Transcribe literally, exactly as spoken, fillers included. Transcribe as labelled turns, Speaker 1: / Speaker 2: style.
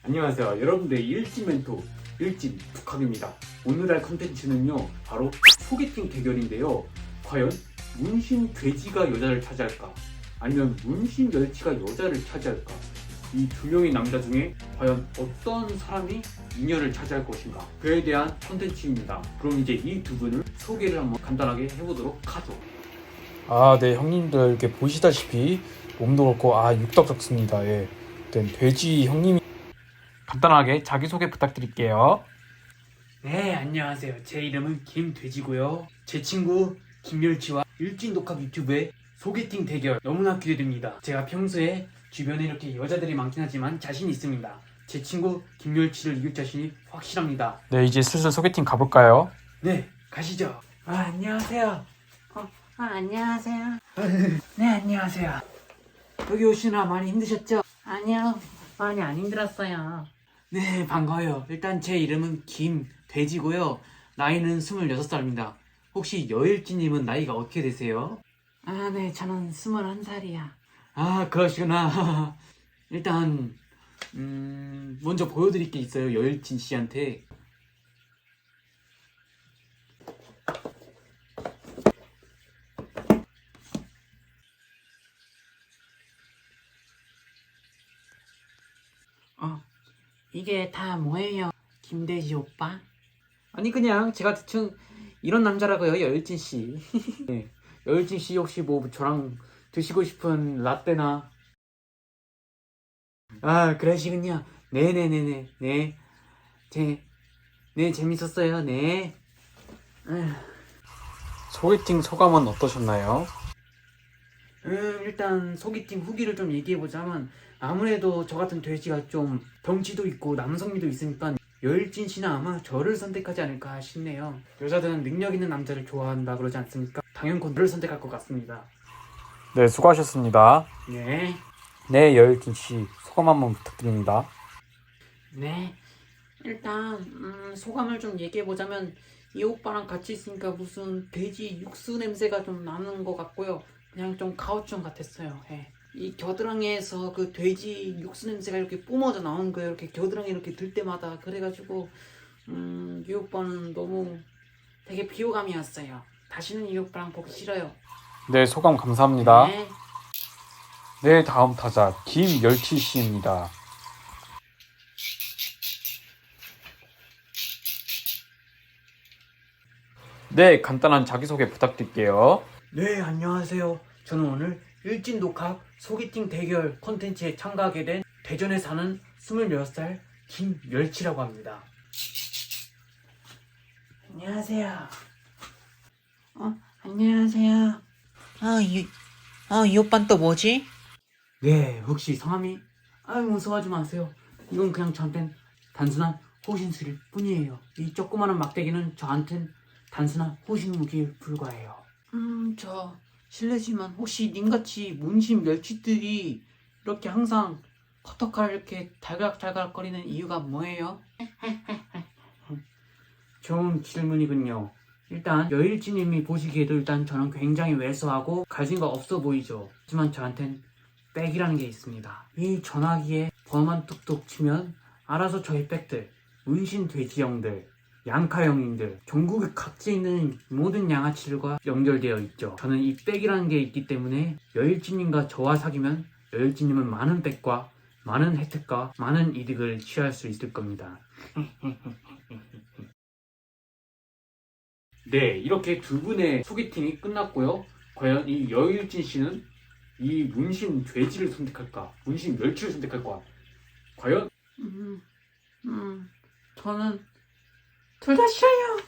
Speaker 1: 안녕하세요 여러분들의 일진 멘토 일진 북학입니다. 오늘의 컨텐츠는요 바로 소개팅 대결인데요. 과연 문신 돼지가 여자를 차지할까 아니면 문신 멸치가 여자를 차지할까, 이 두 명의 남자 중에 과연 어떤 사람이 인연을 차지할 것인가, 그에 대한 컨텐츠입니다. 그럼 이제 이 두 분을 소개를 한번 간단하게 해보도록 하죠.
Speaker 2: 아, 네, 형님들 이렇게 보시다시피 몸도 그렇고 아 육덕적습니다. 예, 일단 돼지 형님이 간단하게 자기소개 부탁드릴게요.
Speaker 3: 네, 안녕하세요. 제 이름은 김돼지고요. 제 친구 김멸치와 일진 독학 유튜브의 소개팅 대결 너무나 기대됩니다. 제가 평소에 주변에 이렇게 여자들이 많긴 하지만 자신 있습니다. 제 친구 김멸치를 이길 자신이 확실합니다.
Speaker 2: 네, 이제 슬슬 소개팅 가볼까요?
Speaker 3: 네, 가시죠. 아, 안녕하세요.
Speaker 4: 어, 아, 안녕하세요.
Speaker 3: 네, 안녕하세요. 여기 오시느라 많이 힘드셨죠?
Speaker 4: 아니요, 많이 안 힘들었어요.
Speaker 3: 네, 반가워요. 일단 제 이름은 김돼지고요. 나이는 스물여섯 살입니다. 혹시 여일진님은 나이가 어떻게 되세요?
Speaker 4: 아, 네, 저는 스물한 살이야.
Speaker 3: 아, 그러시구나. 일단 음, 먼저 보여드릴 게 있어요. 여일진 씨한테.
Speaker 4: 어, 이게 다 뭐예요, 김돼지 오빠?
Speaker 3: 아니, 그냥 제가 대충 이런 남자라고요, 여일진 씨. 네. 여일진 씨 혹시 뭐 저랑 드시고 싶은 라떼나. 아, 그러시군요. 네네네네. 네. 제, 네, 재밌었어요. 네. 아휴.
Speaker 2: 소개팅 소감은 어떠셨나요?
Speaker 3: 음, 일단 소개팅 후기를 좀 얘기해보자면, 아무래도 저 같은 돼지가 좀 덩치도 있고 남성미도 있으니까 여일진 씨는 아마 저를 선택하지 않을까 싶네요. 여자들은 능력 있는 남자를 좋아한다 그러지 않습니까? 당연히 저를 선택할 것 같습니다.
Speaker 2: 네, 수고하셨습니다.
Speaker 3: 네.
Speaker 2: 네, 여일진 씨 소감 한번 부탁드립니다.
Speaker 4: 네, 일단 음, 소감을 좀 얘기해보자면 이 오빠랑 같이 있으니까 무슨 돼지 육수 냄새가 좀 나는 것 같고요. 그냥 좀 가오충 같았어요. 예. 이 겨드랑이에서 그 돼지 육수 냄새가 이렇게 뿜어져 나오는 거예요. 이렇게 겨드랑이 이렇게 들 때마다. 그래가지고 음, 이 오빠는 너무 되게 비호감이었어요. 다시는 이 오빠랑 보기 싫어요.
Speaker 2: 네, 소감 감사합니다.
Speaker 4: 네.
Speaker 2: 네, 다음 타자 김멸치 씨입니다. 네, 간단한 자기소개 부탁드릴게요.
Speaker 3: 네, 안녕하세요. 저는 오늘 일진 독학 소개팅 대결 콘텐츠에 참가하게 된 대전에 사는 스물여섯 살 김멸치라고 합니다.
Speaker 4: 안녕하세요. 어, 안녕하세요. 아, 이, 아, 이 오빠는 또 뭐지?
Speaker 3: 네, 혹시 성함이? 아유, 무서워하지 마세요. 이건 그냥 저한텐 단순한 호신술일 뿐이에요. 이 조그마한 막대기는 저한텐 단순한 호신 무기일 불과해요.
Speaker 4: 음, 저 실례지만 혹시 님같이 문신 멸치들이 이렇게 항상 커터칼 이렇게 달각달각 거리는 이유가 뭐예요?
Speaker 3: 좋은 질문이군요. 일단 여일지님이 보시기에도 일단 저는 굉장히 왜소하고 가진 거 없어 보이죠. 하지만 저한텐 백이라는 게 있습니다. 이 전화기에 번호만 뚝뚝 치면 알아서 저희 백들, 문신 돼지형들, 양카형님들, 전국 각지에 있는 모든 양아치들과 연결되어 있죠. 저는 이 백이라는 게 있기 때문에 여일지님과 저와 사귀면 여일지님은 많은 백과 많은 혜택과 많은 이득을 취할 수 있을 겁니다. 네, 이렇게 두 분의 소개팅이 끝났고요. 과연 이 여일진 씨는 이 문신 돼지를 선택할까? 문신 멸치를 선택할까? 과연?
Speaker 4: 음, 음, 저는 둘 다 싫어요.